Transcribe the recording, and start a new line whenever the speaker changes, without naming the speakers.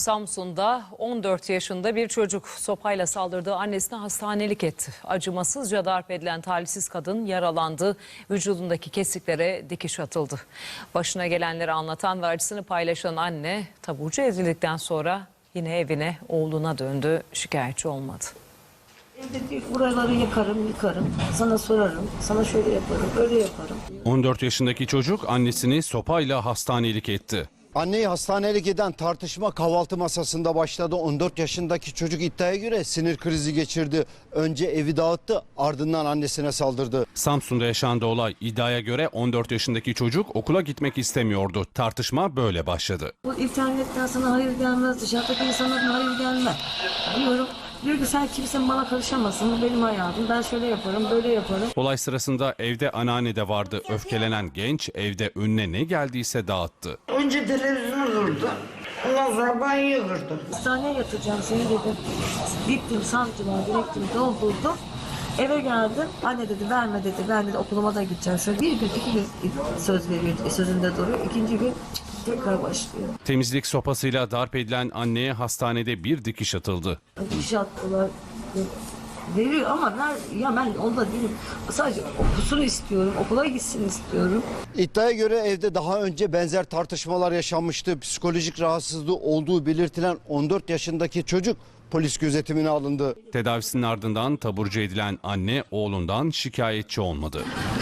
Samsun'da 14 yaşında bir çocuk sopayla saldırdığı annesine hastanelik etti. Acımasızca darp edilen talihsiz kadın yaralandı. Vücudundaki kesiklere dikiş atıldı. Başına gelenleri anlatan ve acısını paylaşan anne taburcu edildikten sonra yine evine, oğluna döndü. Şikayetçi olmadı.
Evde diyor, buraları yıkarım, sana sorarım, sana şöyle yaparım, öyle yaparım.
14 yaşındaki çocuk annesini sopayla hastanelik etti.
Anneyi hastanelik eden tartışma kahvaltı masasında başladı. 14 yaşındaki çocuk iddiaya göre sinir krizi geçirdi. Önce evi dağıttı, ardından annesine saldırdı.
Samsun'da yaşandı olay. İddiaya göre 14 yaşındaki çocuk okula gitmek istemiyordu. Tartışma böyle başladı.
Bu internetten sana hayır gelmez, dışarıdaki insanlardan hayır gelmez diyorum. Diyor ki sen kimsenin bana karışamazsın, bu benim hayatım, ben şöyle yaparım, böyle yaparım.
Olay sırasında evde anneanne de vardı. Öfkelenen genç evde önüne ne geldiyse dağıttı.
Önce televizyonu kırdı. Ondan sonra banyoyu kırdı.
Hastaneye yatıracağım seni dedim. Gittim sancılar, direktim, doldurdum. Eve geldim. Anne dedi verme dedi. Ben dedi okuluma da gideceğim. Şöyle bir gün, 2 gün söz veriyor. Sözünde duruyor. 2. gün tekrar başlıyor.
Temizlik sopasıyla darp edilen anneye hastanede bir dikiş atıldı.
Dikiş attılar. Veriyor ama ben onda değilim. Sadece okusun istiyorum. Okula gitsin istiyorum.
İddiaya göre evde daha önce benzer tartışmalar yaşanmıştı. Psikolojik rahatsızlığı olduğu belirtilen 14 yaşındaki çocuk polis gözetimine alındı.
Tedavisinin ardından taburcu edilen anne oğlundan şikayetçi olmadı.